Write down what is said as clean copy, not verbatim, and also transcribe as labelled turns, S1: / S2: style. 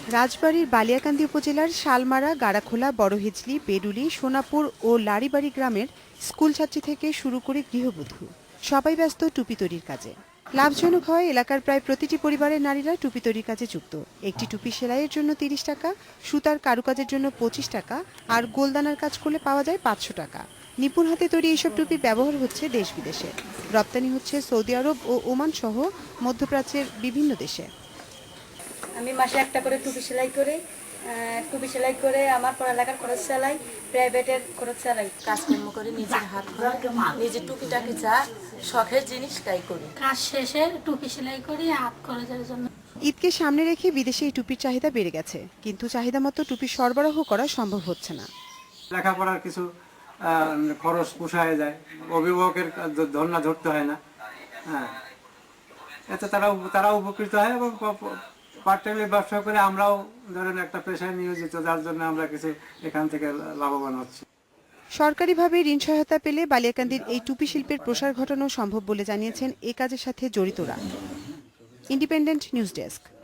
S1: রাজবাড়ীর বালিয়াকান্দি উপজেলার শালমারা, গাড়াখোলা, বড়হিজলি, বেডুলি, সোনাপুর ও লারিবাড়ি গ্রামের স্কুল ছাত্রী থেকে শুরু করে গৃহবধূ সবাই ব্যস্ত টুপি তৈরির কাজে। লাভজনক হয় এলাকার প্রায় প্রতিটি পরিবারের নারীরা টুপি তৈরির কাজে যুক্ত। একটি টুপি সেলাইয়ের জন্য ৩০ টাকা, সুতার কারুকাজের জন্য ২৫ টাকা আর গোলদানার কাজ করলে পাওয়া যায় ৫০০ টাকা। নিপুণ হাতে তৈরি এইসব টুপি ব্যবহার হচ্ছে দেশ বিদেশে। রপ্তানি হচ্ছে সৌদি আরব ও ওমান সহ মধ্যপ্রাচ্যের বিভিন্ন দেশে।
S2: আমি মাসে একটা করে টুপি সেলাই করে আমার পড়ালেখার খরচ চালাই, প্রাইভেটের খরচ চালাই।
S3: কাজকর্ম করে নিজের হাত নিজের টুপিটাকে যা শখের জিনিস তাই করি।
S4: কাজ শেষে টুপি সেলাই করি হাত খরচের জন্য।
S1: ঈদকে সামনে রেখে বিদেশে এই টুপির চাহিদা বেড়ে গেছে, কিন্তু চাহিদা মতো টুপি সরবরাহ করা সম্ভব হচ্ছে না।
S5: লেখাপড়ার কিছু খরচ পোষায় যায়, অভিভাবকের ধর্ণা ধরতে হয় না। হ্যাঁ, এতে তারা উপকৃত হয় এবং পার্ট টাইম ব্যবসা করে আমরাও ধরেন একটা পেশায় নিয়োজিত, যার জন্য আমরা কিছু এখান থেকে লাভবান হচ্ছি।
S1: সরকারিভাবে ঋণ সহায়তা পেলে বালিয়াকান্দির এই টুপি শিল্পের প্রসার ঘটানো সম্ভব বলে জানিয়েছেন এ কাজের সাথে জড়িতরা। Independent news desk.